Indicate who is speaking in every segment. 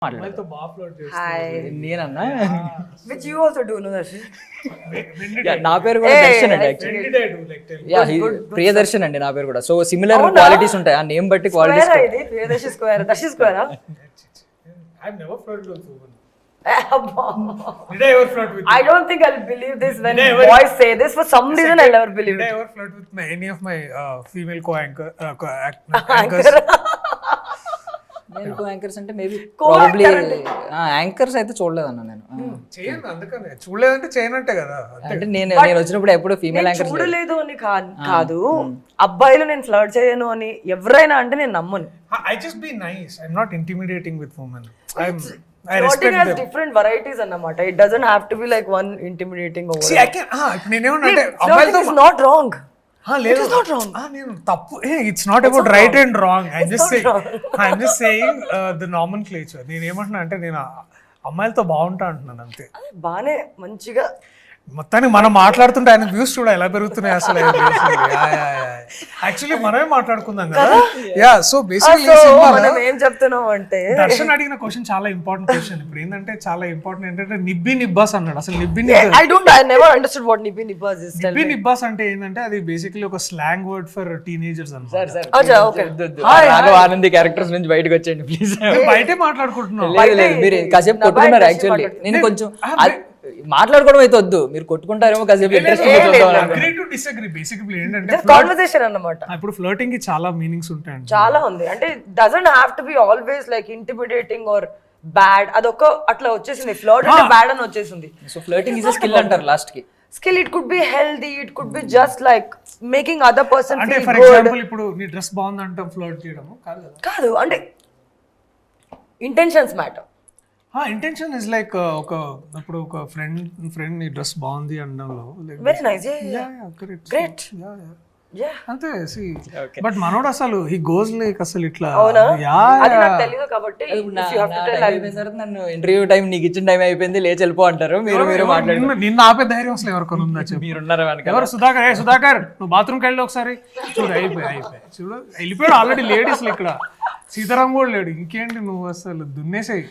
Speaker 1: మాట్లాడతాను.
Speaker 2: నేనన్నా
Speaker 3: Which you also do, no, Darshi?
Speaker 2: నా పేరు కూడా దర్శన్ అండి యాక్చువల్లీ ప్రియదర్శన్ అండి నా పేరు కూడా. సో సిమిలర్ క్వాలిటీస్ ఉంటాయి ఆ నేమ్ బట్టి క్వాలిటీస్.
Speaker 3: Square ఇది Priyadarshi square. Darshi square.
Speaker 1: I've never flirted with women.
Speaker 3: Abba.
Speaker 1: Did I ever flirt with you?
Speaker 3: I don't think I'll believe this when
Speaker 1: Did I ever-
Speaker 3: boys say this. For some reason, I'll never believe
Speaker 1: Did I
Speaker 3: it.
Speaker 1: ever flirt with any of my female anchors?
Speaker 2: నేను anchors అంటే maybe
Speaker 3: Co-actor
Speaker 2: probably
Speaker 3: అంటే.
Speaker 2: Anchors అయితే చూడలేదన్న నేను.
Speaker 1: చేయను అందుకనే చూడలేదంటే చేయనంటే కదా.
Speaker 2: అంటే నేను వచ్చినప్పుడు ఎప్పుడు ఫీమేల్
Speaker 3: నేను
Speaker 2: యాంకర్స్
Speaker 3: చూడలేదు అని కాదు అబ్బాయిలు నేను ఫ్లర్ట్ చేయను అని ఎవరైనా అంటే నేను నమ్మను.
Speaker 1: I just be nice. I'm not intimidating with women. I
Speaker 3: Flirting
Speaker 1: respect
Speaker 3: has
Speaker 1: them.
Speaker 3: different varieties అన్నమాట. It doesn't have to be like one intimidating or
Speaker 1: See, I can ఇప్పుడు నేనేమన్నా
Speaker 3: flirting is not wrong.
Speaker 1: లేదు
Speaker 3: not wrong.
Speaker 1: నేను తప్పు it's not about right and wrong. I'm just saying the nomenclature. నేను ఏమంటున్నా అంటే నేను అమ్మాయిలతో బాగుంటా అంటున్నాను అంతే.
Speaker 3: బానే మంచిగా
Speaker 1: మొత్తానికి మనం మాట్లాడుతుంటే ఆయన వ్యూస్ చూడ ఎలా పెరుగుతున్నాయి అసలు. యాక్చువల్లీ మనమే మాట్లాడుకుందాం కదా. యా సో బేసికలీ
Speaker 3: మనం ఏం చెప్తున్నాం అంటే
Speaker 1: దర్శన్ అడిగిన క్వశ్చన్ చాలా ఇంపార్టెంట్ క్వశ్చన్. ఇప్పుడు ఏంటంటే చాలా ఇంపార్టెంట్ ఏంటంటే నిబ్బి నిబ్బాస్ అన్నాడు. అసలు
Speaker 3: I never understood what nippy nippers is. Tell me.
Speaker 1: నిబ్బాస్ అంటే ఏంటంటే అది బేసికలీ ఒక స్లాంగ్ వర్డ్ ఫర్ టీనేజర్స్ అన్నమాట.
Speaker 3: అచ్చా ఓకే.
Speaker 2: రాఘవ ఆనంది క్యారెక్టర్స్ నుంచి బయటకు వచ్చేయండి ప్లీజ్.
Speaker 1: బయటే మాట్లాడుకుంటున్నాం.
Speaker 2: లేదు మీరు కాసేపు కొట్టుకున్నారు యాక్చువల్లీ. నేను కొంచెం మాట్లాడుకోవడం అయితే వద్దు, మీరు కొట్టుకుంటారేమో కాసేపు interest.
Speaker 1: Agree to disagree. Basically ఏంటంటే
Speaker 3: కాన్వర్సేషన్ అన్నమాట.
Speaker 1: ఇప్పుడు ఫ్లర్టింగ్ కి చాలా మీనింగ్స్ ఉంటాయండి.
Speaker 3: చాలా ఉంది. అంటే doesn't have to be always like intimidating or bad. అదొక అట్లా వచ్చేసింది. ఫ్లర్ట్ అంటే బ్యాడ్ అని వచ్చేసింది.
Speaker 2: So flirting is a skill అంటారు లాస్ట్ కి.
Speaker 3: Skill it could be healthy, it could be just like making other person
Speaker 1: అంటే
Speaker 3: ఫీల్
Speaker 1: ఫర్
Speaker 3: గుడ్.
Speaker 1: ఎగ్జాంపుల్ ఇప్పుడు నీ డ్రెస్ బాగుంది అంటే ఫ్లర్ట్ చేయడము కాదు కదా.
Speaker 3: కాదు అంటే intentions matter.
Speaker 1: Intention is like ఇప్పుడు ఒక ఫ్రెండ్ నీ డ్రెస్ బాగుంది అనడంలో
Speaker 3: వెరీ నైస్. గ్రేట్. యా
Speaker 1: అంతే. బట్ మనోడు అసలు హీ గోస్ లైక్ అసలు ఇట్లా.
Speaker 3: అవునా?
Speaker 1: యా
Speaker 3: అది నాకు తెలియదు కాబట్టి if you have to tell,
Speaker 2: అయిపోయిన తర్వాత నన్ను ఇంటర్వ్యూ టైం నీకు ఇచ్చిన టైం అయిపోయింది లేచి వెళ్ళిపో అంటారు. మీరు మాట్లాడి
Speaker 1: నిన్న ఆపే ధైర్యం అసలు ఎవరికొని ఉందా చెప్పు.
Speaker 2: మీరున్నారా వెనక?
Speaker 1: ఎవరు సుధాకర్ నువ్వు బాత్రూమ్కి వెళ్ళి ఒకసారి చూడు. అయిపోయి చూడు వెళ్ళిపోయాడు ఆల్రెడీ. లేడీస్ ఇక్కడ సీతారాం కూడా లేడు. ఇంకేంటి నువ్వు అసలు దున్నేసాయి.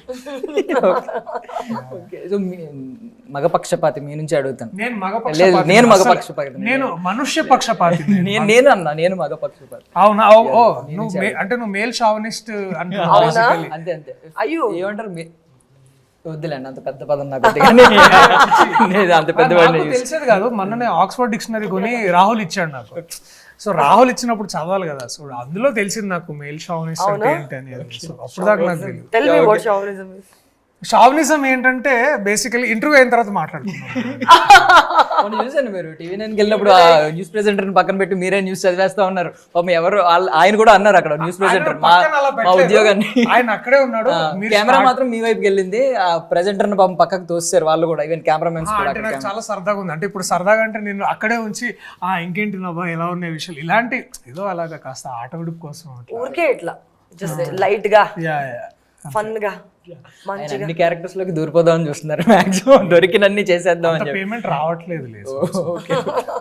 Speaker 2: మగపక్షపాతి మీ నుంచి అడుగుతాను.
Speaker 1: నేను
Speaker 2: నేను మగపక్షపాతి.
Speaker 1: నేను మనుష్య పక్షపాతి.
Speaker 2: నేను మగపక్షపాతి.
Speaker 1: అవునా? ఓ నువ్వు అంటే నువ్వు మేల్ షావనిస్ట్ అంటే
Speaker 2: అంతే అంతే.
Speaker 3: అయ్యో
Speaker 2: ఏమంటారు వద్దులేండి అంత పెద్ద పదం నాకు అంత పెద్ద
Speaker 1: తెలిసేది కాదు. మొన్ననే ఆక్స్ఫర్డ్ డిక్షనరీ కొని రాహుల్ ఇచ్చాడు నాకు. సో రాహుల్ ఇచ్చినప్పుడు చదవాలి కదా. సో అందులో తెలిసింది నాకు మేల్ షావనిస్ట్ అంటే ఏంటి అనేది. సో అప్పుడు దాకా నాకు తెలియదు.
Speaker 3: tell me what chauvinism is.
Speaker 1: Chauvinism ఏంటంటే బేసికలీ ఇంటర్వ్యూ అయిన తర్వాత మాట్లాడుతున్నాం.
Speaker 2: చూసాను మీరు టీవీ నైన్కి వెళ్ళినప్పుడు ఆ న్యూస్ ప్రెజెంటర్ పక్కన పెట్టి మీరే న్యూస్ చదివేస్తా ఉన్నారు. ఎవరు ఆయన కూడా అన్నారు అక్కడ న్యూస్ ప్రెజెంటర్ మా ఉద్యోగాన్ని.
Speaker 1: ఆయన అక్కడే ఉన్నాడు.
Speaker 2: కెమెరా మాత్రం మీ వైపుకి వెళ్ళింది. ఆ ప్రెజెంటర్ పాపం పక్కకు తోస్తారు వాళ్ళు కూడా, ఈవెన్ కెమెరామెన్స్ కూడా.
Speaker 1: అంటే నాకు చాలా సరదాగా ఉంది. అంటే ఇప్పుడు సరదాగా అంటే నేను అక్కడే ఉంచి ఇంకేంటి నవ్వా ఎలా ఉన్నాయి విషయాలు ఇలాంటి ఏదో అలాగా కాస్త ఆట విడుపు కోసం
Speaker 3: ఊరికే ఇట్లా జస్ట్ లైట్ గా ఫన్ గా మంచిగా
Speaker 2: అన్ని క్యారెక్టర్స్ లోకి దూరిపోదామని చూస్తున్నారు. మాక్సిమం దొరికినన్ని చేసేద్దాం అని చెప్పి.
Speaker 1: పేమెంట్ రావట్లేదు లేదు.